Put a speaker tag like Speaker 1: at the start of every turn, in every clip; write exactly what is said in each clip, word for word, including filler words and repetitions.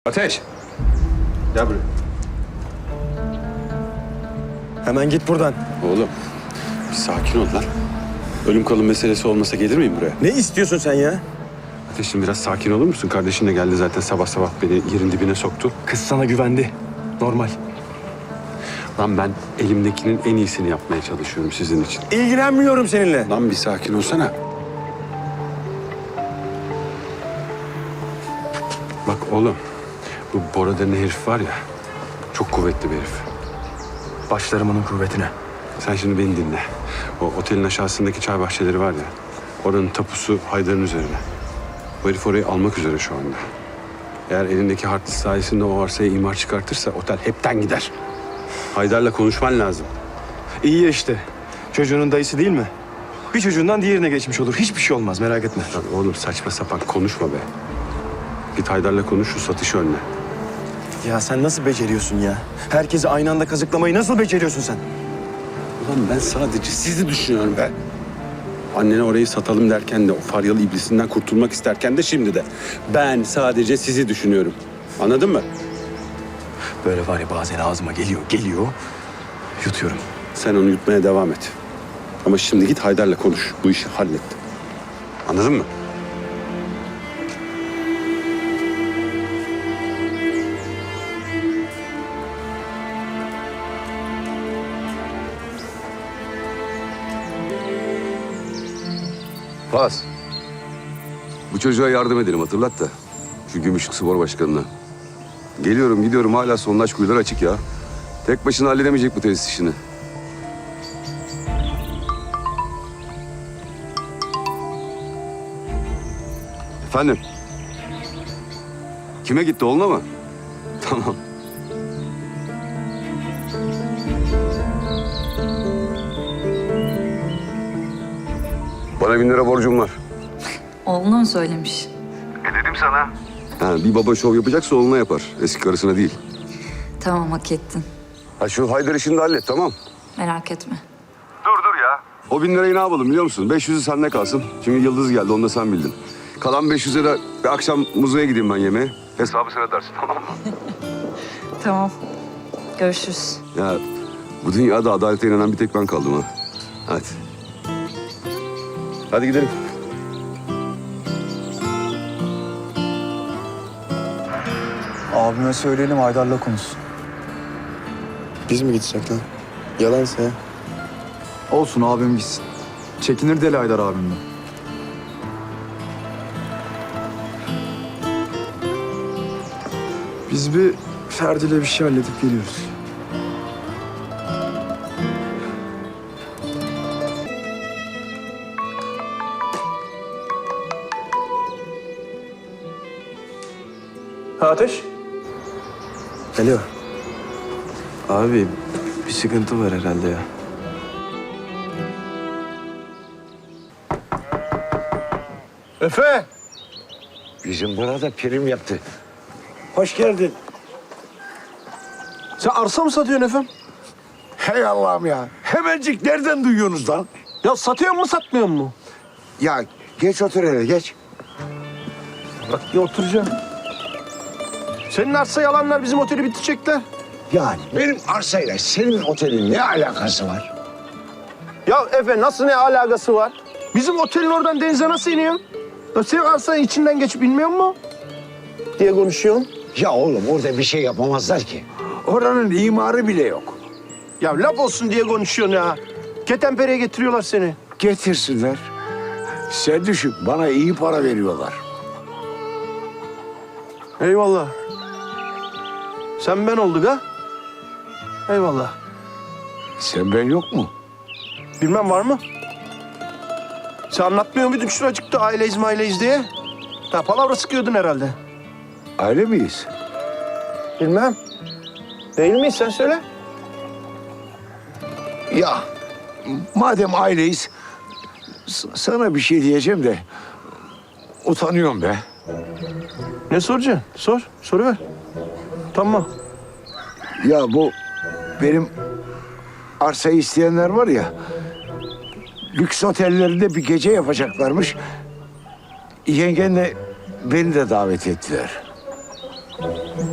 Speaker 1: Ateş! Gel buraya.
Speaker 2: Hemen git buradan.
Speaker 1: Oğlum, bir sakin ol lan. Ölüm kalım meselesi olmasa gelir miyim buraya?
Speaker 2: Ne istiyorsun sen ya?
Speaker 1: Ateş'im biraz sakin olur musun? Kardeşin de geldi zaten sabah sabah beni yerin dibine soktu.
Speaker 2: Kız sana güvendi. Normal.
Speaker 1: Lan ben elimdekinin en iyisini yapmaya çalışıyorum sizin için.
Speaker 2: İlgilenmiyorum seninle.
Speaker 1: Lan bir sakin olsana. Bak oğlum, bu Bora denen herif var ya, çok kuvvetli bir herif.
Speaker 2: Başlarım onun kuvvetine.
Speaker 1: Sen şimdi beni dinle. O otelin aşağısındaki çay bahçeleri var ya, oranın tapusu Haydar'ın üzerine. Bu herif orayı almak üzere şu anda. Eğer elindeki harçlık sayesinde o arsaya imar çıkartırsa otel hepten gider. Haydar'la konuşman lazım.
Speaker 2: İyi ya işte. Çocuğunun dayısı değil mi? Bir çocuğundan diğerine geçmiş olur. Hiçbir şey olmaz, merak etme.
Speaker 1: Lan oğlum saçma sapan konuşma be. Git Haydar'la konuş, şu satışı önle.
Speaker 2: Ya sen nasıl beceriyorsun ya? Herkesi aynı anda kazıklamayı nasıl beceriyorsun sen?
Speaker 1: Ulan ben sadece sizi düşünüyorum be. Annene orayı satalım derken de, o faryalı iblisinden kurtulmak isterken de, şimdi de. Ben sadece sizi düşünüyorum. Anladın mı?
Speaker 2: Böyle var ya, bazen ağzıma geliyor, geliyor. Yutuyorum.
Speaker 1: Sen onu yutmaya devam et. Ama şimdi git Haydar'la konuş. Bu işi hallet. Anladın mı?
Speaker 3: Pas. Bu çocuğa yardım edelim, hatırlat da. Şu Gümüşlük Spor Başkanı'na. Geliyorum gidiyorum, hala sondaj kuyuları açık ya. Tek başına halledemeyecek bu tesis işini. Efendim? Kime gitti, oğluna mı? Tamam. Bana bin lira borcum var.
Speaker 4: Oğluna mı söylemiş?
Speaker 3: Ha, bir baba şov yapacaksa oğluna yapar. Eski karısına değil.
Speaker 4: Tamam, hak ettin.
Speaker 3: Ha, şu Haydar işini de hallet, tamam.
Speaker 4: Merak etme.
Speaker 3: O bin lirayı ne yapalım biliyor musun? beş yüzü sende kalsın. Çünkü Yıldız geldi, onu da sen bildin. Kalan beş yüze de bir akşam muzeya gideyim ben yemeğe. Hesabı sen ödersin, tamam mı?
Speaker 4: Tamam. Görüşürüz.
Speaker 3: Ya bu dünyada adalete inanan bir tek ben kaldım ha. Hadi. Hadi gidelim.
Speaker 5: Abime söyleyelim, Haydar'la konuşsun.
Speaker 2: Biz mi gitsek lan? Yalansa ya.
Speaker 5: Olsun, abim gitsin. Çekinir deli Haydar abimden. Biz bir Ferdi'yle bir şey halledip geliyoruz.
Speaker 2: Ha Ateş? Alo. Abi bir sıkıntı var herhalde ya.
Speaker 6: Efe!
Speaker 7: Bizim burada prim yaptı.
Speaker 6: Hoş geldin. Sen arsa mı satıyorsun efendim?
Speaker 7: Hey Allah'ım ya. Hemencik nereden duyuyorsunuz lan?
Speaker 6: Ya satıyor mu satmıyor mu?
Speaker 7: Ya geç otur hele geç.
Speaker 6: Bak bir oturacağım. Senin arsa yalanlar bizim oteli bitirecekler.
Speaker 7: Yani benim arsayla senin otelin ne alakası var?
Speaker 6: Ya Efe nasıl ne alakası var? Bizim otelin oradan denize nasıl iniyorsun? Ya senin arsanın içinden geçip inmiyor mu? Diye konuşuyorsun.
Speaker 7: Ya oğlum orada bir şey yapamazlar ki. Oranın imarı bile yok.
Speaker 6: Ya laf olsun diye konuşuyorsun ya. Ketenpere'ye getiriyorlar seni.
Speaker 7: Getirsinler. Sen düşün, bana iyi para veriyorlar.
Speaker 6: Eyvallah. Sen ben olduk ha? Eyvallah.
Speaker 7: Sen ben yok mu?
Speaker 6: Bilmem var mı? Sen anlatmıyor muydun şuracıkta aileyiz maileyiz diye? Ha palavra sıkıyordun herhalde.
Speaker 7: Aile miyiz?
Speaker 6: Bilmem. Değil miyiz sen söyle.
Speaker 7: Ya madem aileyiz, s- sana bir şey diyeceğim de utanıyorum be.
Speaker 6: Ne soracaksın? Sor. Soruver. Tamam.
Speaker 7: Ya bu benim arsayı isteyenler var ya, lüks otellerinde bir gece yapacaklarmış. Yengenle beni de davet ettiler.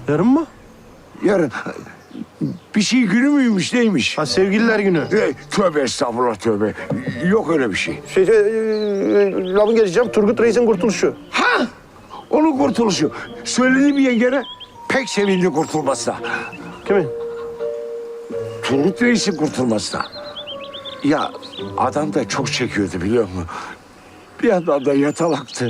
Speaker 6: Yarın mı?
Speaker 7: Yarın. Bir şey günü müymüş neymiş?
Speaker 6: Ha sevgililer günü.
Speaker 7: E, tövbe estağfurullah tövbe. Yok öyle bir şey.
Speaker 6: Şey, e, e, lafı geleceğim. Turgut Reis'in kurtuluşu.
Speaker 7: Ha! Onun kurtuluşu. Söylediğim yengene pek sevindi kurtulmasına.
Speaker 6: Kimin?
Speaker 7: Turgut Reis'in kurtulmasına. Ya adam da çok çekiyordu biliyor musun? Bir yandan da yatalaktı.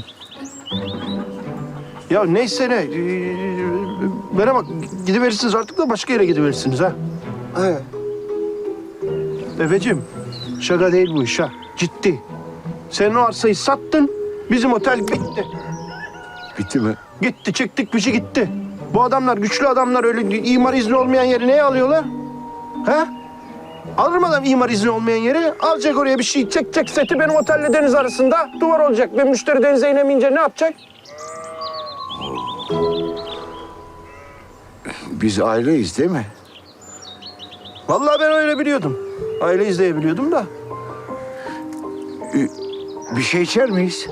Speaker 6: Ya neyse ne. Ee, bana bak gidiverirsiniz artık da başka yere gidiverirsiniz ha.
Speaker 7: He.
Speaker 6: Efeciğim şaka değil bu iş ha. Ciddi. Sen o arsayı sattın. Bizim otel bitti.
Speaker 7: Bitti mi?
Speaker 6: Gitti çıktık bir şey gitti. Bu adamlar güçlü adamlar öyle imar izni olmayan yeri neye alıyorlar? Ha? Alır mı adam imar izni olmayan yeri? Alacak oraya bir şey çekecek seti benim otelle deniz arasında. Duvar olacak ve müşteri denize inemeyince ne yapacak?
Speaker 7: Biz aileyiz değil mi?
Speaker 6: Vallahi ben öyle biliyordum. Aile izleyebiliyordum da.
Speaker 7: Bir şey içer miyiz?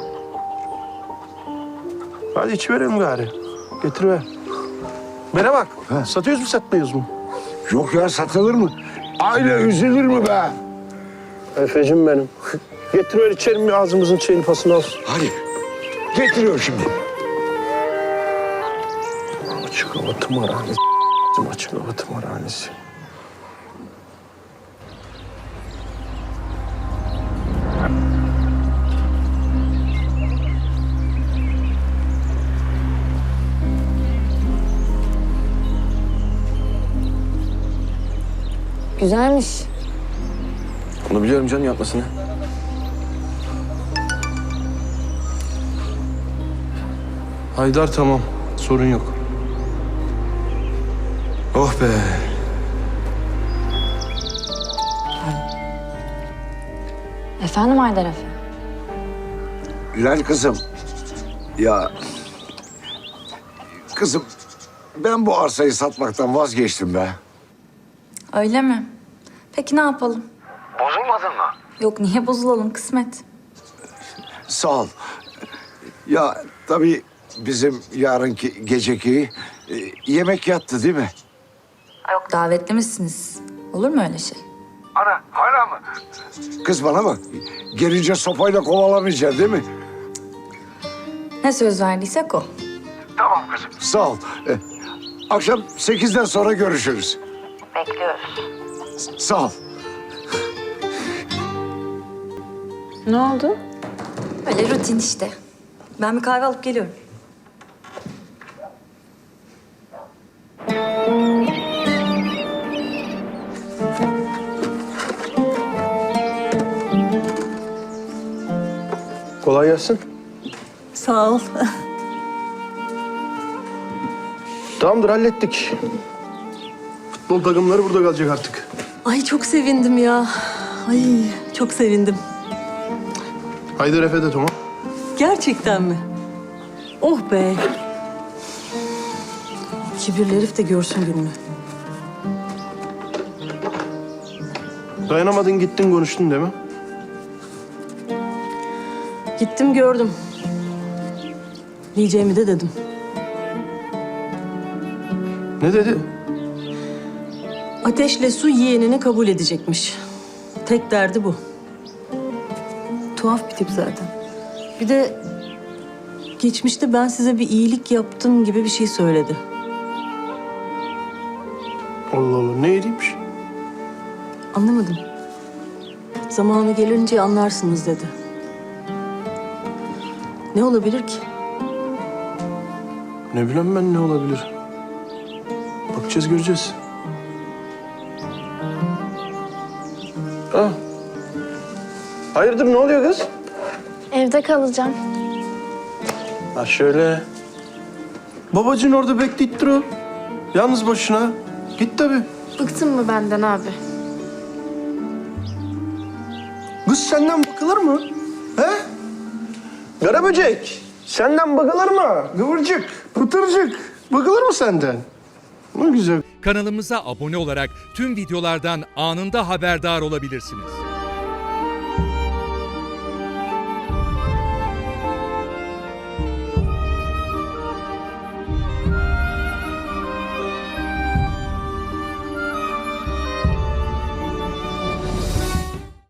Speaker 6: Hadi içiverelim gari. Getiriver. Bana bak.
Speaker 7: Ha.
Speaker 6: Satıyoruz mu satmıyoruz mu?
Speaker 7: Yok ya satılır mı? Aile üzülür mü be?
Speaker 6: Efecim benim. Getiriver içerim bir ağzımızın çayını pasını olsun.
Speaker 7: Hadi. Getiriyor şimdi.
Speaker 6: Açık hava tımarhanesi. Açık hava tımarhanesi.
Speaker 8: Güzelmiş.
Speaker 2: Onu biliyorum canım yapmasını.
Speaker 6: Haydar tamam. Sorun yok.
Speaker 2: Oh be.
Speaker 8: Efendim Haydar Efe?
Speaker 7: Lan kızım. Ya. Kızım. Ben bu arsayı satmaktan vazgeçtim be.
Speaker 4: Öyle mi? Peki ne yapalım?
Speaker 7: Bozulmadın mı?
Speaker 4: Yok niye bozulalım kısmet.
Speaker 7: Sağ ol. Ya tabii bizim yarınki geceki e, yemek yattı değil mi?
Speaker 4: Yok davetli misiniz? Olur mu öyle şey?
Speaker 7: Ana hala mı? Kız bana bak. Gelince sopayla kovalamayacaksın değil mi?
Speaker 4: Ne söz verdiysek o.
Speaker 7: Tamam kızım. Sağ ol. E, akşam sekizden sonra görüşürüz.
Speaker 4: Bekliyoruz.
Speaker 7: Sağ ol.
Speaker 8: Ne oldu?
Speaker 4: Öyle rutin işte. Ben bir kahve alıp geliyorum.
Speaker 6: Kolay gelsin.
Speaker 9: Sağ ol.
Speaker 6: Tamamdır hallettik. Futbol takımları burada kalacak artık.
Speaker 9: Ay çok sevindim ya. Ay çok sevindim.
Speaker 6: Haydar Efe de tamam.
Speaker 9: Gerçekten mi? Oh be. Kibirli herif de görsün gününü.
Speaker 6: Dayanamadın gittin konuştun değil mi?
Speaker 9: Gittim gördüm. Diyeceğimi de dedim.
Speaker 6: Ne dedi?
Speaker 9: Ateşle su yeğenini kabul edecekmiş. Tek derdi bu. Tuhaf bir tip zaten. Bir de geçmişte ben size bir iyilik yaptım gibi bir şey söyledi.
Speaker 6: Allah Allah ne edeymiş?
Speaker 9: Anlamadım. Zamanı gelince anlarsınız dedi. Ne olabilir ki?
Speaker 6: Ne bileyim ben ne olabilir? Bakacağız göreceğiz. Ah. Hayırdır ne oluyor kız?
Speaker 8: Evde kalacağım.
Speaker 6: Ha şöyle. Babacığın orada bekleyip dur o. Yalnız başına. Git tabii.
Speaker 8: Bıktın mı benden abi?
Speaker 6: Kız senden bakılır mı? He? Karaböcek. Senden bakılır mı? Kıvırcık, pıtırcık. Bakılır mı senden? Ne güzel.
Speaker 10: Kanalımıza abone olarak tüm videolardan anında haberdar olabilirsiniz.